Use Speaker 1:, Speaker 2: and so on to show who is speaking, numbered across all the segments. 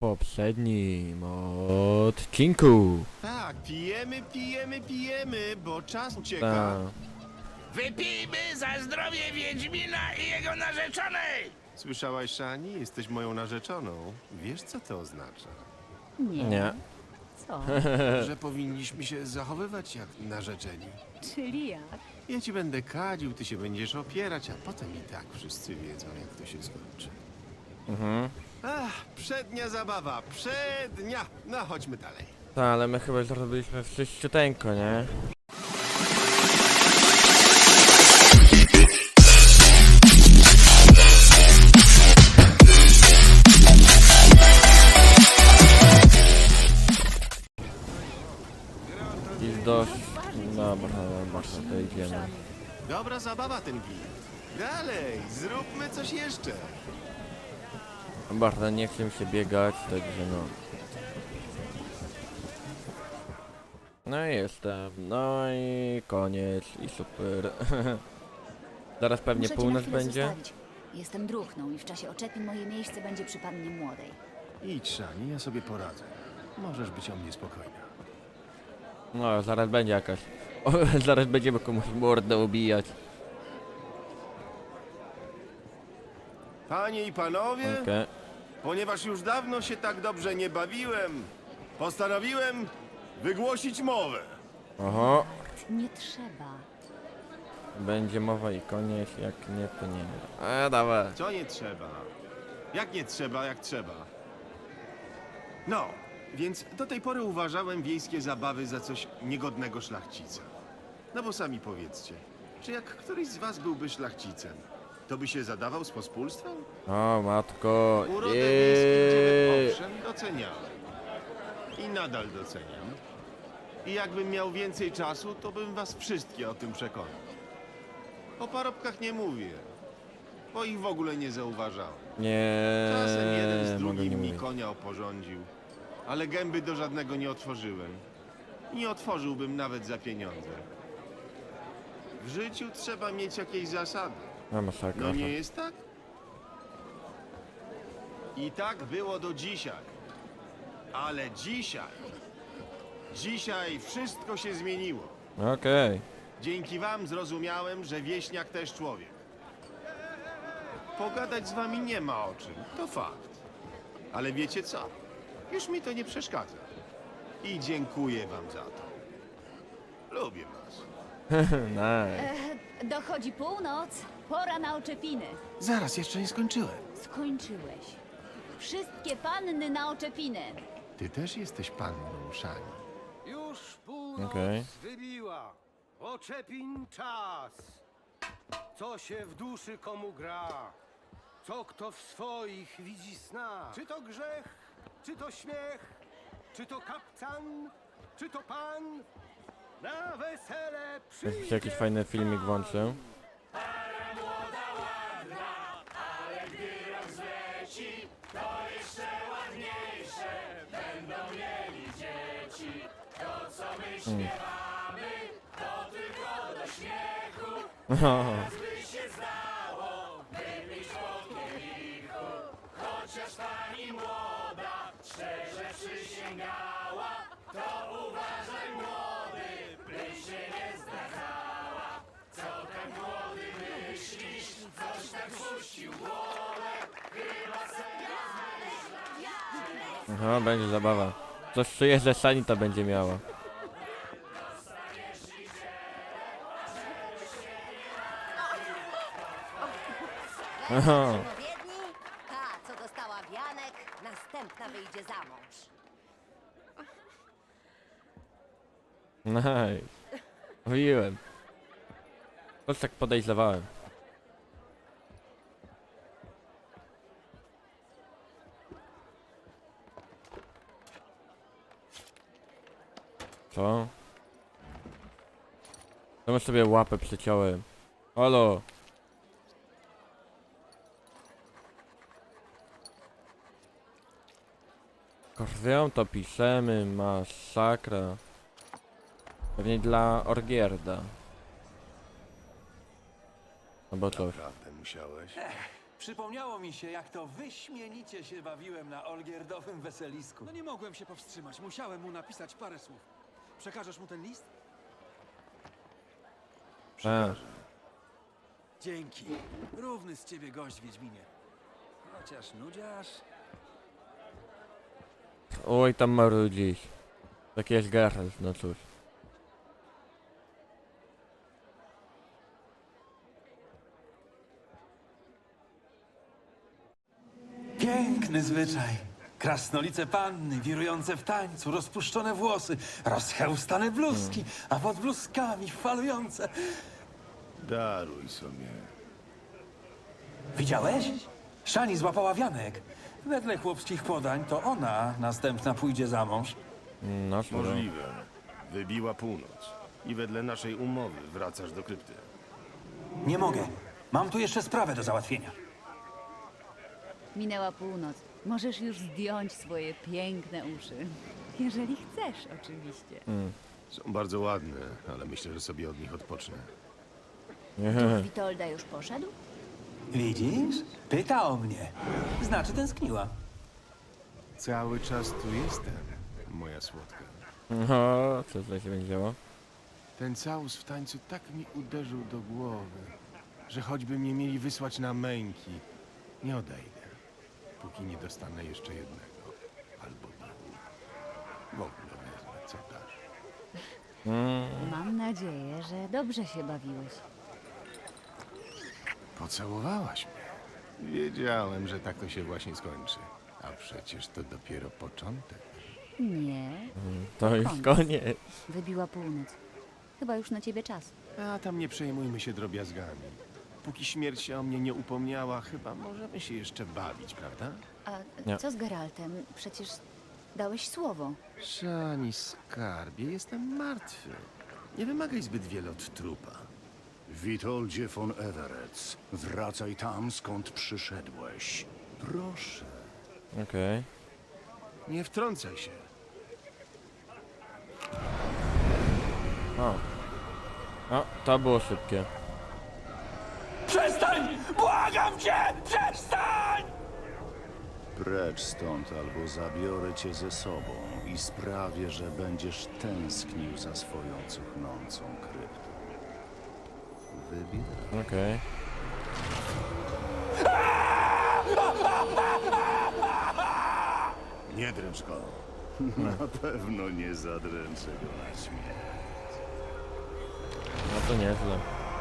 Speaker 1: poprzednim odcinku.
Speaker 2: Tak, pijemy, bo czas ucieka.
Speaker 1: Ta.
Speaker 3: Wypijmy za zdrowie Wiedźmina i jego narzeczonej!
Speaker 2: Słyszałaś, Szani? Jesteś moją narzeczoną. Wiesz, co to oznacza?
Speaker 1: Nie.
Speaker 4: Co?
Speaker 2: Że powinniśmy się zachowywać jak narzeczeni.
Speaker 4: Czyli jak?
Speaker 2: Ja ci będę kadził, ty się będziesz opierać, a potem i tak wszyscy wiedzą, jak to się skończy. Ach, przednia zabawa, przednia! No, chodźmy dalej.
Speaker 1: Tak, ale my chyba zrobiliśmy wszyściuteńko, nie? I dość... Dobra, to idziemy.
Speaker 2: Dobra zabawa ten git. Dalej, zróbmy coś jeszcze.
Speaker 1: Bardzo nie chcę mi się biegać, także no. No i jestem, no i koniec, i super. Zaraz pewnie
Speaker 4: Muszę cię na
Speaker 1: północ
Speaker 4: chwilę
Speaker 1: będzie.
Speaker 4: zostawić. Jestem druchną i w czasie oczepin moje miejsce będzie przy pannie młodej.
Speaker 2: Idź, Szani, ja sobie poradzę. Możesz być o mnie spokojna.
Speaker 1: No, zaraz będzie jakaś. O, zaraz będziemy komuś mordę ubijać.
Speaker 2: Panie i panowie,
Speaker 1: Okej.
Speaker 2: ponieważ już dawno się tak dobrze nie bawiłem, postanowiłem wygłosić mowę.
Speaker 1: Oho,
Speaker 4: Nie trzeba.
Speaker 1: będzie mowa i koniec, jak nie to nie. Dawaj.
Speaker 2: Co nie trzeba? Jak nie trzeba, jak trzeba? No, więc do tej pory uważałem wiejskie zabawy za coś niegodnego szlachcica. No bo sami powiedzcie, czy jak któryś z was byłby szlachcicem, to by się zadawał z pospólstwem?
Speaker 1: O, matko.
Speaker 2: Urodę wiejskich dziewek owszem doceniałem. I nadal doceniam. I jakbym miał więcej czasu, to bym was wszystkie o tym przekonał. O parobkach nie mówię, bo ich w ogóle nie zauważałem.
Speaker 1: Nie.
Speaker 2: Czasem jeden z
Speaker 1: mogę
Speaker 2: drugim
Speaker 1: nie
Speaker 2: mi
Speaker 1: mówić.
Speaker 2: konia oporządził, ale gęby do żadnego nie otworzyłem. Nie otworzyłbym nawet za pieniądze. W życiu trzeba mieć jakieś zasady.
Speaker 1: No masakra.
Speaker 2: No nie jest tak? I tak było do dzisiaj. Ale dzisiaj wszystko się zmieniło.
Speaker 1: Okej.
Speaker 2: Dzięki wam zrozumiałem, że wieśniak też człowiek. Pogadać z wami nie ma o czym, to fakt. Ale wiecie co? Już mi to nie przeszkadza. I dziękuję wam za to. Lubię was.
Speaker 1: Nice.
Speaker 4: Dochodzi północ. Pora na oczepiny.
Speaker 2: Zaraz, jeszcze nie skończyłem.
Speaker 4: Skończyłeś. Wszystkie panny na oczepiny.
Speaker 2: Ty też jesteś panną, Szani.
Speaker 5: Już północ
Speaker 1: Okej.
Speaker 5: wybiła. Oczepin czas. Co się w duszy komu gra? Co kto w swoich widzi sna? Czy to grzech? Czy to śmiech? Czy to kapcan? Czy to pan? Na wesele
Speaker 1: Jakbyś jakiś fajny filmik włączył. Aha, będzie zabawa. Coś czuję, że Sanita będzie miała. Aha.
Speaker 6: Odpowiedni? Ta, co dostała wianek, następna wyjdzie za mąż.
Speaker 1: Nice. Mówiłem. Coś tak podejrzewałem. Co? Czemu sobie łapę przyciąłem? Halo! Krwią to piszemy, masakra. Pewnie dla Orgierda. Albo coś.
Speaker 2: Naprawdę musiałeś?
Speaker 7: Przypomniało mi się, jak to wyśmienicie się bawiłem na Olgierdowym weselisku.
Speaker 8: No nie mogłem się powstrzymać. Musiałem mu napisać parę słów. Przekażesz mu ten list? Dzięki. Równy z ciebie gość, Wiedźminie. Chociaż nudziarz...
Speaker 1: Oj, tam marudzisz. Tak jest Geralt, no cóż.
Speaker 7: Piękny zwyczaj. Krasnolice panny, wirujące w tańcu, rozpuszczone włosy, rozchełstane bluzki, a pod bluzkami falujące.
Speaker 2: Daruj sobie.
Speaker 7: Widziałeś? Szani złapała wianek. Wedle chłopskich podań to ona następna pójdzie za mąż.
Speaker 1: No cóż.
Speaker 2: Możliwe. Wybiła północ. I wedle naszej umowy wracasz do krypty.
Speaker 7: Nie mogę. Mam tu jeszcze sprawę do załatwienia.
Speaker 4: Minęła północ. Możesz już zdjąć swoje piękne uszy. Jeżeli chcesz, oczywiście.
Speaker 2: Są bardzo ładne, ale myślę, że sobie od nich odpocznę.
Speaker 4: Duch Witolda już poszedł?
Speaker 7: Widzisz? Pyta o mnie. Znaczy tęskniła.
Speaker 2: Cały czas tu jestem, moja słodka.
Speaker 1: No, co tutaj się będzie działo?
Speaker 2: Ten całus w tańcu tak mi uderzył do głowy, że choćby mnie mieli wysłać na męki, nie odejdę, póki nie dostanę jeszcze jednego. Albo dwóch. W ogóle wezmę, co dasz.
Speaker 4: Mam nadzieję, że dobrze się bawiłeś.
Speaker 2: Pocałowałaś mnie. Wiedziałem, że tak to się właśnie skończy. A przecież to dopiero początek.
Speaker 4: Nie,
Speaker 1: To już koniec.
Speaker 4: wybiła północ. Chyba już na ciebie czas.
Speaker 2: A tam nie przejmujmy się drobiazgami. Póki śmierć się o mnie nie upomniała, chyba możemy się jeszcze bawić, prawda?
Speaker 4: A
Speaker 1: Nie.
Speaker 4: co z Geraltem? Przecież dałeś słowo.
Speaker 2: Szani skarbie, jestem martwy. Nie wymagaj zbyt wiele od trupa.
Speaker 9: Witoldzie von Everec, wracaj tam, skąd przyszedłeś. Proszę.
Speaker 1: Okej.
Speaker 2: Nie wtrącaj się.
Speaker 1: O, to było szybkie.
Speaker 7: Przestań! Błagam cię! Przestań!
Speaker 9: Precz stąd, albo zabiorę cię ze sobą i sprawię, że będziesz tęsknił za swoją cuchnącą kryptą. Wybieraj.
Speaker 1: Okej.
Speaker 9: Nie dręcz go. Na pewno nie zadręczę go na śmierć.
Speaker 1: No to nieźle.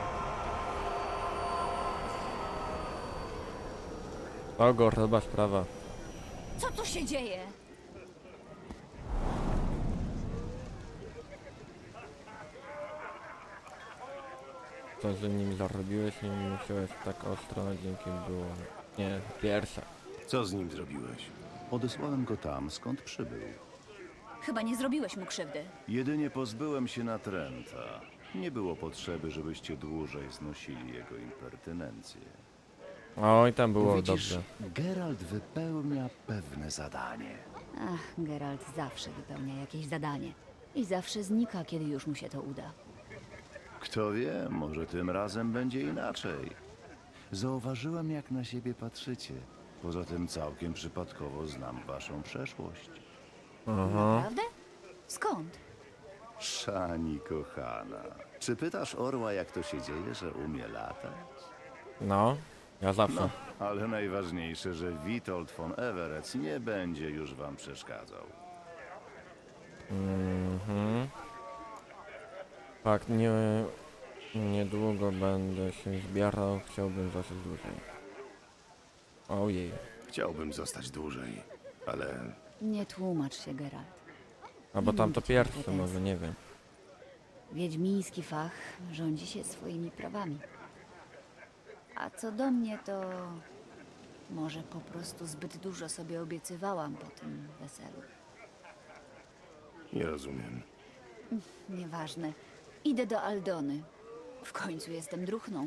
Speaker 1: Ogor, chyba sprawa.
Speaker 4: Co tu się dzieje?
Speaker 1: To, że nim zarobiłeś, nie musiałeś tak ostro, dzięki było... Nie, pierwsza.
Speaker 2: Co z nim zrobiłeś?
Speaker 9: Odesłałem go tam, skąd przybył.
Speaker 4: Chyba nie zrobiłeś mu krzywdy.
Speaker 9: Jedynie pozbyłem się natręta. Nie było potrzeby, żebyście dłużej znosili jego impertynencję.
Speaker 1: Oj, tam było
Speaker 9: Widzisz,
Speaker 1: dobrze.
Speaker 9: Geralt wypełnia pewne zadanie.
Speaker 4: Ach, Geralt zawsze wypełnia jakieś zadanie. I zawsze znika, kiedy już mu się to uda.
Speaker 9: Kto wie, może tym razem będzie inaczej. Zauważyłem, jak na siebie patrzycie. Poza tym całkiem przypadkowo znam waszą przeszłość.
Speaker 4: Naprawdę? Skąd?
Speaker 9: Szani kochana, czy pytasz orła, jak to się dzieje, że umie latać?
Speaker 1: No, ja zawsze.
Speaker 9: Ale najważniejsze, że Witold von Everec nie będzie już wam przeszkadzał.
Speaker 1: Tak, niedługo będę się zbierał, chciałbym zostać dłużej. Ojej.
Speaker 2: Chciałbym zostać dłużej, ale
Speaker 4: Nie tłumacz się, Geralt.
Speaker 1: A bo
Speaker 4: Nie
Speaker 1: tam
Speaker 4: mam
Speaker 1: to
Speaker 4: do ciebie
Speaker 1: pierwsze,
Speaker 4: pretensji.
Speaker 1: może, nie wiem.
Speaker 4: Wiedźmiński fach rządzi się swoimi prawami. A co do mnie, to może po prostu zbyt dużo sobie obiecywałam po tym weselu.
Speaker 2: nie rozumiem.
Speaker 4: Nieważne. Idę do Aldony. W końcu jestem druchną.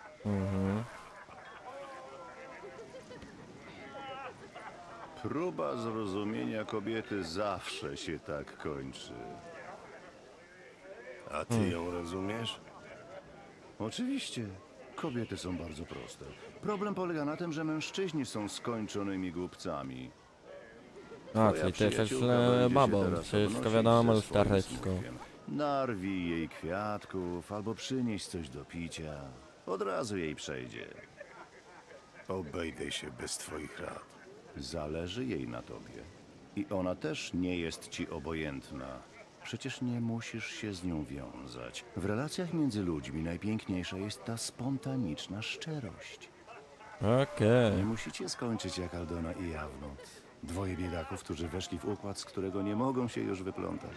Speaker 9: Próba zrozumienia kobiety zawsze się tak kończy.
Speaker 2: A ty ją rozumiesz?
Speaker 9: Oczywiście. Kobiety są bardzo proste. Problem polega na tym, że mężczyźni są skończonymi głupcami.
Speaker 1: A,
Speaker 9: Twoja
Speaker 1: czyli ty jesteś
Speaker 9: przyjaciółka będzie się
Speaker 1: babą,
Speaker 9: teraz
Speaker 1: wszystko
Speaker 9: obnosić
Speaker 1: wiadomo,
Speaker 9: ze swoim
Speaker 1: lustereczko.
Speaker 9: smutkiem. Narwij jej kwiatków albo przynieś coś do picia. Od razu jej przejdzie.
Speaker 2: Obejdę się bez twoich rad.
Speaker 9: Zależy jej na tobie. I ona też nie jest ci obojętna. Przecież nie musisz się z nią wiązać. W relacjach między ludźmi najpiękniejsza jest ta spontaniczna szczerość.
Speaker 1: Okej.
Speaker 9: Nie musicie skończyć jak Aldona i Jawnut. Dwoje biedaków, którzy weszli w układ, z którego nie mogą się już wyplątać.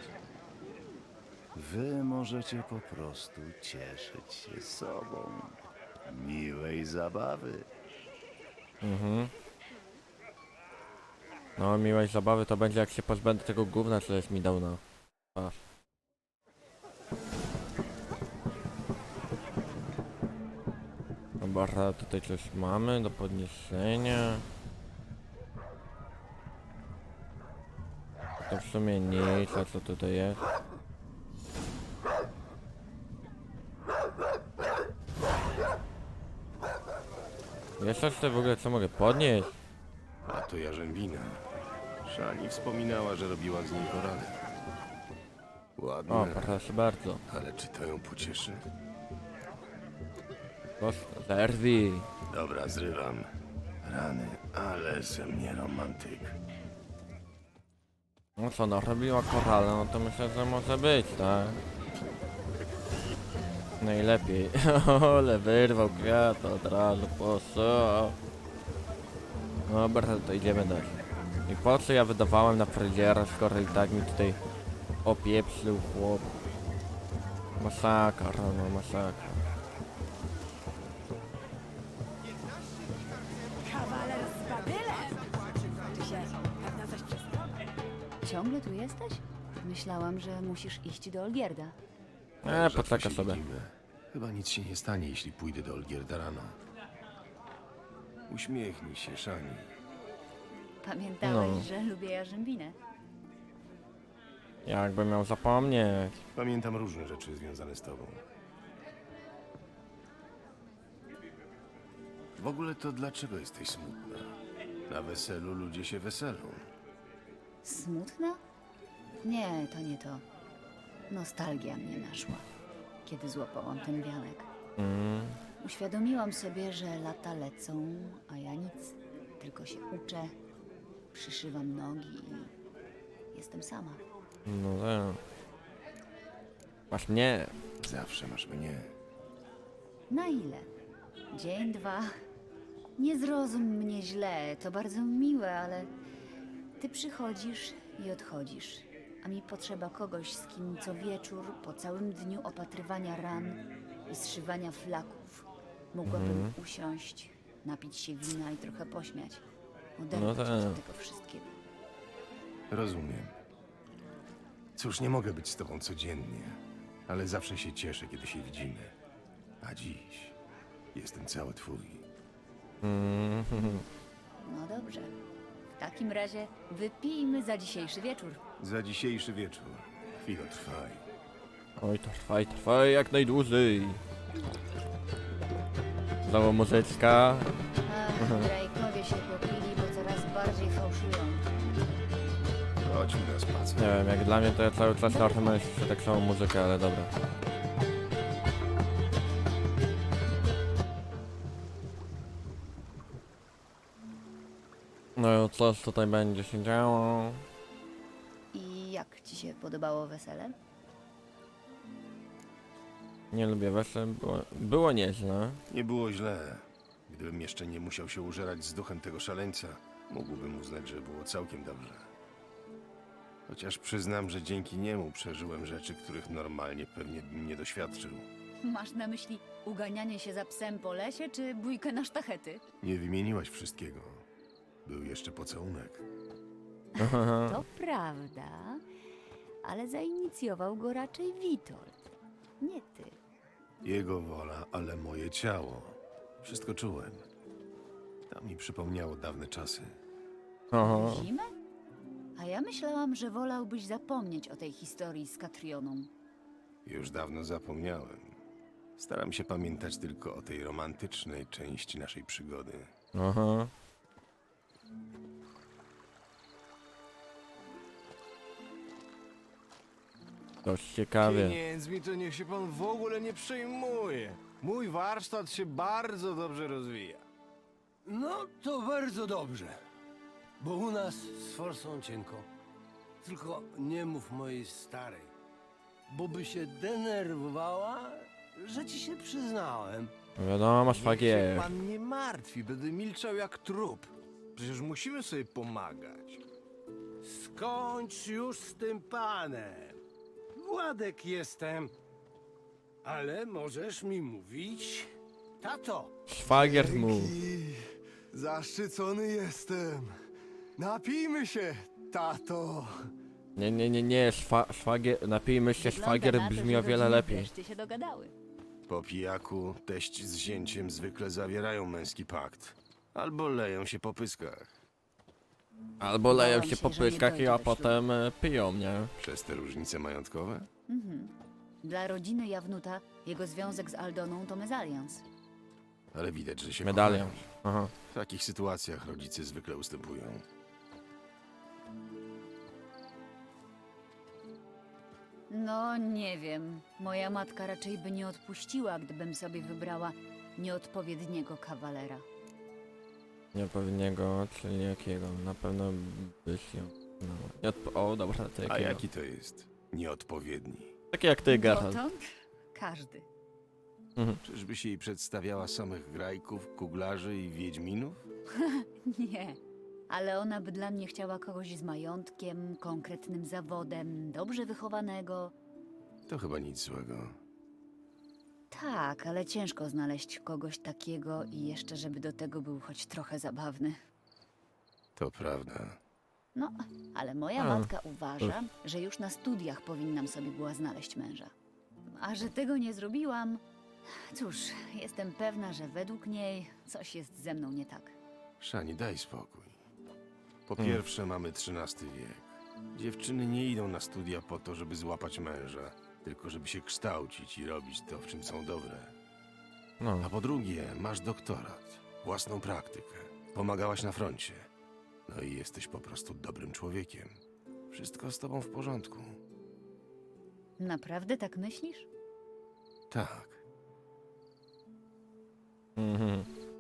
Speaker 9: Wy możecie po prostu cieszyć się sobą. Miłej zabawy.
Speaker 1: No, miłej zabawy to będzie, jak się pozbędę tego gówna, co jest mi dał na twarz. Dobra, tutaj coś mamy do podniesienia. To w sumie nic, a co tutaj jest? Jest coś tutaj w ogóle, co mogę podnieść?
Speaker 2: A to jarzębina. Szani wspominała, że robiła z niej korale. Ładne,
Speaker 1: O, proszę bardzo.
Speaker 2: ale czy to ją pocieszy?
Speaker 1: Zerwij.
Speaker 2: Dobra, zrywam. Rany, ale ze mnie romantyk.
Speaker 1: No co, no robiła korale, no to myślę, że może być, tak? Najlepiej. Ale wyrwał kwiat od razu, po co? Dobra, to idziemy dalej. I po co ja wydawałem na fryzjera, skoro i tak mi tutaj opieprzył chłop. Masakra, no masakra.
Speaker 10: Kawaler z badylem! Czy się pewno coś przestało?
Speaker 4: Ciągle tu jesteś? Myślałam, że musisz iść do Olgierda.
Speaker 2: Rzadko
Speaker 1: poczekaj
Speaker 2: się
Speaker 1: sobie.
Speaker 2: widzimy. Chyba nic się nie stanie, jeśli pójdę do Olgierda rano. Uśmiechnij się, Szani.
Speaker 4: Pamiętałeś,
Speaker 1: No.
Speaker 4: że lubię jarzębinę.
Speaker 1: Jakbym miał zapomnieć.
Speaker 2: Pamiętam różne rzeczy związane z tobą. W ogóle to dlaczego jesteś smutna? Na weselu ludzie się weselą.
Speaker 4: Smutna? Nie, to nie to. Nostalgia mnie naszła, kiedy złapałam ten wianek. Uświadomiłam sobie, że lata lecą, a ja nic. Tylko się uczę, przyszywam nogi i jestem sama.
Speaker 1: No tak. Masz mnie.
Speaker 2: Zawsze masz mnie.
Speaker 4: Na ile? Dzień, dwa? Nie zrozum mnie źle, to bardzo miłe, ale ty przychodzisz i odchodzisz, a mi potrzeba kogoś, z kim co wieczór, po całym dniu opatrywania ran i zszywania flaków, mogłabym usiąść, napić się wina i trochę pośmiać. Oderwać
Speaker 1: tak.
Speaker 4: się od tego wszystkiego.
Speaker 2: Rozumiem. Cóż, nie mogę być z tobą codziennie, ale zawsze się cieszę, kiedy się widzimy. A dziś jestem cały twój.
Speaker 4: No dobrze. W takim razie wypijmy za dzisiejszy wieczór.
Speaker 2: Za dzisiejszy wieczór. Chwilę trwaj.
Speaker 1: Oj, trwaj jak najdłużej. Znowu muzyczka.
Speaker 4: Ach, Drake'owie się popili, bo coraz bardziej fałszują.
Speaker 2: Chodźmy na spacer.
Speaker 1: Nie wiem, jak dla mnie to ja cały czas na tym jest tak samą muzykę, ale dobra. No i coś tutaj będzie się działo.
Speaker 4: I jak ci się podobało wesele?
Speaker 1: Nie lubię wesel, było nieźle.
Speaker 2: Nie było źle. Gdybym jeszcze nie musiał się użerać z duchem tego szaleńca, mógłbym uznać, że było całkiem dobrze. Chociaż przyznam, że dzięki niemu przeżyłem rzeczy, których normalnie pewnie bym nie doświadczył.
Speaker 4: Masz na myśli uganianie się za psem po lesie, czy bójkę na sztachety?
Speaker 2: Nie wymieniłaś wszystkiego. Był jeszcze pocałunek.
Speaker 4: To prawda, ale zainicjował go raczej Witold, nie ty.
Speaker 2: Jego wola, ale moje ciało. Wszystko czułem. To mi przypomniało dawne czasy.
Speaker 1: Oho.
Speaker 4: Zimę? A ja myślałam, że wolałbyś zapomnieć o tej historii z Katrioną.
Speaker 2: Już dawno zapomniałem. Staram się pamiętać tylko o tej romantycznej części naszej przygody.
Speaker 1: Aha. Dość ciekawie.
Speaker 11: Pieniędzmi to niech się pan w ogóle nie przejmuje. Mój warsztat się bardzo dobrze rozwija.
Speaker 5: No to bardzo dobrze. Bo u nas z forsą cienko. Tylko nie mów mojej starej. Bo by się denerwowała, że ci się przyznałem.
Speaker 1: Wiadomo,
Speaker 11: Niech się
Speaker 1: szwagier.
Speaker 11: pan nie martwi, będę milczał jak trup. Przecież musimy sobie pomagać.
Speaker 5: Skończ już z tym panem. Władek jestem. Ale możesz mi mówić, tato.
Speaker 1: Szwagier mu.
Speaker 11: Zaszczycony jestem. Napijmy się, tato.
Speaker 1: Nie, szwagier, napijmy się, szwagier
Speaker 4: Wygląda na to,
Speaker 1: brzmi
Speaker 4: że
Speaker 1: o wiele
Speaker 4: rodziny
Speaker 1: lepiej.
Speaker 4: wreszcie się dogadały.
Speaker 2: Po pijaku teść z zięciem zwykle zawierają męski pakt. Albo leją się po pyskach.
Speaker 1: Albo leją
Speaker 4: Bałam
Speaker 1: się
Speaker 4: się,
Speaker 1: po
Speaker 4: że nie
Speaker 1: pyskach,
Speaker 4: dojdzie
Speaker 1: a
Speaker 4: do
Speaker 1: potem piją, nie?
Speaker 2: Przez te różnice majątkowe?
Speaker 4: Dla rodziny Jawnuta jego związek z Aldoną to mezalians.
Speaker 2: Ale widać, że się
Speaker 1: Medalion.
Speaker 2: kochają.
Speaker 1: Aha.
Speaker 2: W takich sytuacjach rodzice zwykle ustępują.
Speaker 4: No, nie wiem. Moja matka raczej by nie odpuściła, gdybym sobie wybrała nieodpowiedniego kawalera.
Speaker 1: Nieodpowiedniego, czyli jakiego? Na pewno byś ją... No, o, dobra, to
Speaker 2: A
Speaker 1: jakiego?
Speaker 2: jaki to jest? Nieodpowiedni.
Speaker 1: Taki jak ty, Geralt.
Speaker 4: Dotąd każdy.
Speaker 2: Czyżbyś jej przedstawiała samych grajków, kuglarzy i wiedźminów?
Speaker 4: Nie. Ale ona by dla mnie chciała kogoś z majątkiem, konkretnym zawodem, dobrze wychowanego.
Speaker 2: To chyba nic złego.
Speaker 4: Tak, ale ciężko znaleźć kogoś takiego i jeszcze, żeby do tego był choć trochę zabawny.
Speaker 2: To prawda.
Speaker 4: No, ale moja
Speaker 1: A,
Speaker 4: matka uważa, że już na studiach powinnam sobie była znaleźć męża. A że tego nie zrobiłam, cóż, jestem pewna, że według niej coś jest ze mną nie tak.
Speaker 2: Szani, daj spokój. Po pierwsze, mamy XIII wiek. Dziewczyny nie idą na studia po to, żeby złapać męża, tylko żeby się kształcić i robić to, w czym są dobre.
Speaker 1: No.
Speaker 2: A po drugie, masz doktorat, własną praktykę, pomagałaś na froncie. No i jesteś po prostu dobrym człowiekiem. Wszystko z tobą w porządku.
Speaker 4: Naprawdę tak myślisz?
Speaker 2: Tak.
Speaker 1: Mhm.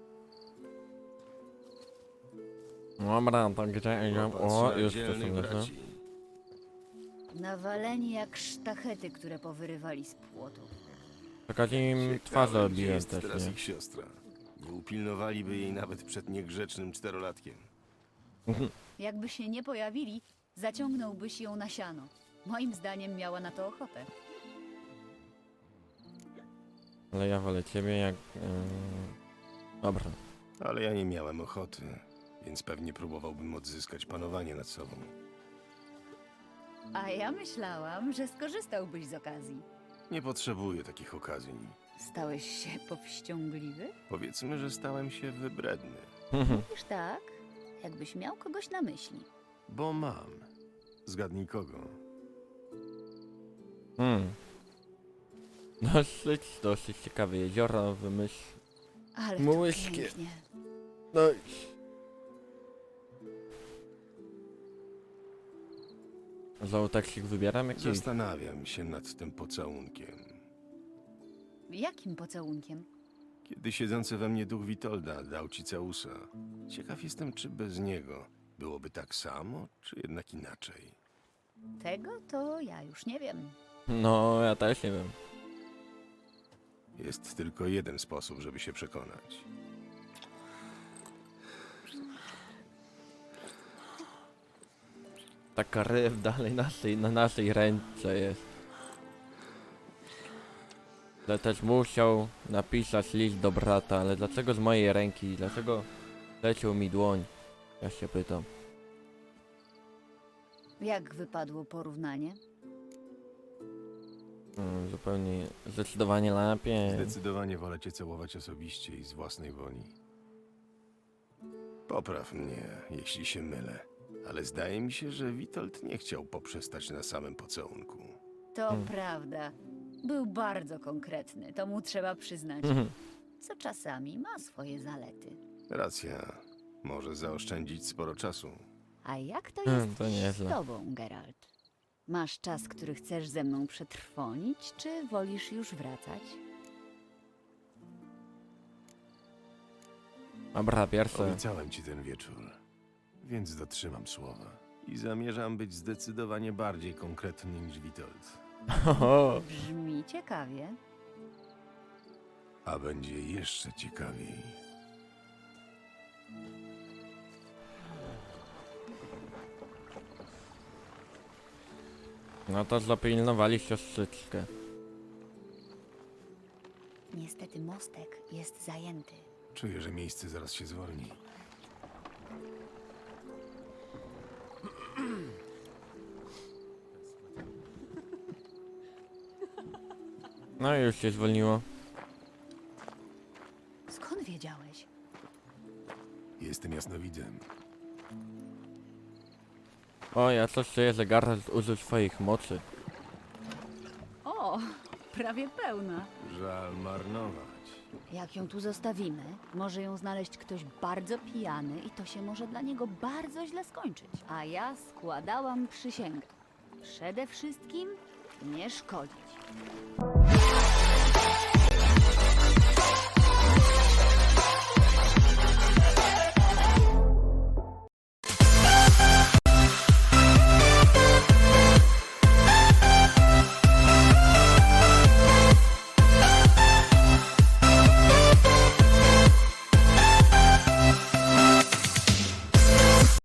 Speaker 1: Dobra, to gdzie idziemy?
Speaker 2: Popatrz
Speaker 1: O,
Speaker 2: na
Speaker 1: już to
Speaker 2: dzielnych
Speaker 1: są lecą.
Speaker 2: braci.
Speaker 4: Nawaleni jak sztachety, które powyrywali z płotów.
Speaker 1: Tylko im
Speaker 2: Ciekawe,
Speaker 1: twarz
Speaker 2: gdzie
Speaker 1: robiłem
Speaker 2: jest
Speaker 1: też,
Speaker 2: teraz
Speaker 1: nie?
Speaker 2: ich siostra. Nie upilnowaliby jej nawet przed niegrzecznym czterolatkiem.
Speaker 4: Jakby się nie pojawili, zaciągnąłbyś ją na siano. Moim zdaniem miała na to ochotę.
Speaker 1: Ale ja wolę ciebie jak... Dobra.
Speaker 2: Ale ja nie miałem ochoty, więc pewnie próbowałbym odzyskać panowanie nad sobą.
Speaker 4: A ja myślałam, że skorzystałbyś z okazji.
Speaker 2: Nie potrzebuję takich okazji.
Speaker 4: Stałeś się powściągliwy?
Speaker 2: Powiedzmy, że stałem się wybredny.
Speaker 4: Mówisz tak, jakbyś miał kogoś na myśli.
Speaker 2: Bo mam. Zgadnij kogo.
Speaker 1: Dosyć ciekawe jezioro, wymyśl...
Speaker 4: Ale
Speaker 1: Mułyśkie.
Speaker 4: to pięknie.
Speaker 1: No Znowu taksik wybieram jakiś?
Speaker 2: Zastanawiam się nad tym pocałunkiem.
Speaker 4: Jakim pocałunkiem?
Speaker 2: Kiedy siedzący we mnie duch Witolda dał ci całusa. Ciekaw jestem, czy bez niego byłoby tak samo, czy jednak inaczej.
Speaker 4: Tego to ja już nie wiem.
Speaker 1: No, ja też nie wiem.
Speaker 2: Jest tylko jeden sposób, żeby się przekonać.
Speaker 1: Taka ryw dalej na naszej ręce jest. Ale też musiał napisać list do brata, ale dlaczego z mojej ręki? Dlaczego leciał mi dłoń? Ja się pytam.
Speaker 4: Jak wypadło porównanie?
Speaker 1: Zupełnie, zdecydowanie lepiej.
Speaker 2: Zdecydowanie wolę cię całować osobiście i z własnej woli. Popraw mnie, jeśli się mylę. Ale zdaje mi się, że Witold nie chciał poprzestać na samym pocałunku.
Speaker 4: To prawda. Był bardzo konkretny, to mu trzeba przyznać. Co czasami ma swoje zalety.
Speaker 2: Racja. Może zaoszczędzić sporo czasu.
Speaker 4: A jak to jest
Speaker 1: to nieźle.
Speaker 4: z tobą, Geralt? Masz czas, który chcesz ze mną przetrwonić, czy wolisz już wracać?
Speaker 1: Dobra, pierwsze.
Speaker 2: Obiecałem ci ten wieczór, więc dotrzymam słowa. I zamierzam być zdecydowanie bardziej konkretny niż Witold.
Speaker 1: Oho.
Speaker 4: Brzmi ciekawie.
Speaker 2: A będzie jeszcze ciekawiej.
Speaker 1: No to zapilnowali siostrzyczkę.
Speaker 4: Niestety mostek jest zajęty.
Speaker 2: Czuję, że miejsce zaraz się zwolni.
Speaker 1: No i już się zwolniło.
Speaker 4: Skąd wiedziałeś?
Speaker 2: Jestem jasnowidzem.
Speaker 1: O, ja coś czuję, że Geralt użył swoich mocy.
Speaker 4: O, prawie pełna.
Speaker 2: Żal marnować.
Speaker 4: Jak ją tu zostawimy, może ją znaleźć ktoś bardzo pijany i to się może dla niego bardzo źle skończyć. A ja składałam przysięgę. Przede wszystkim nie szkodzić.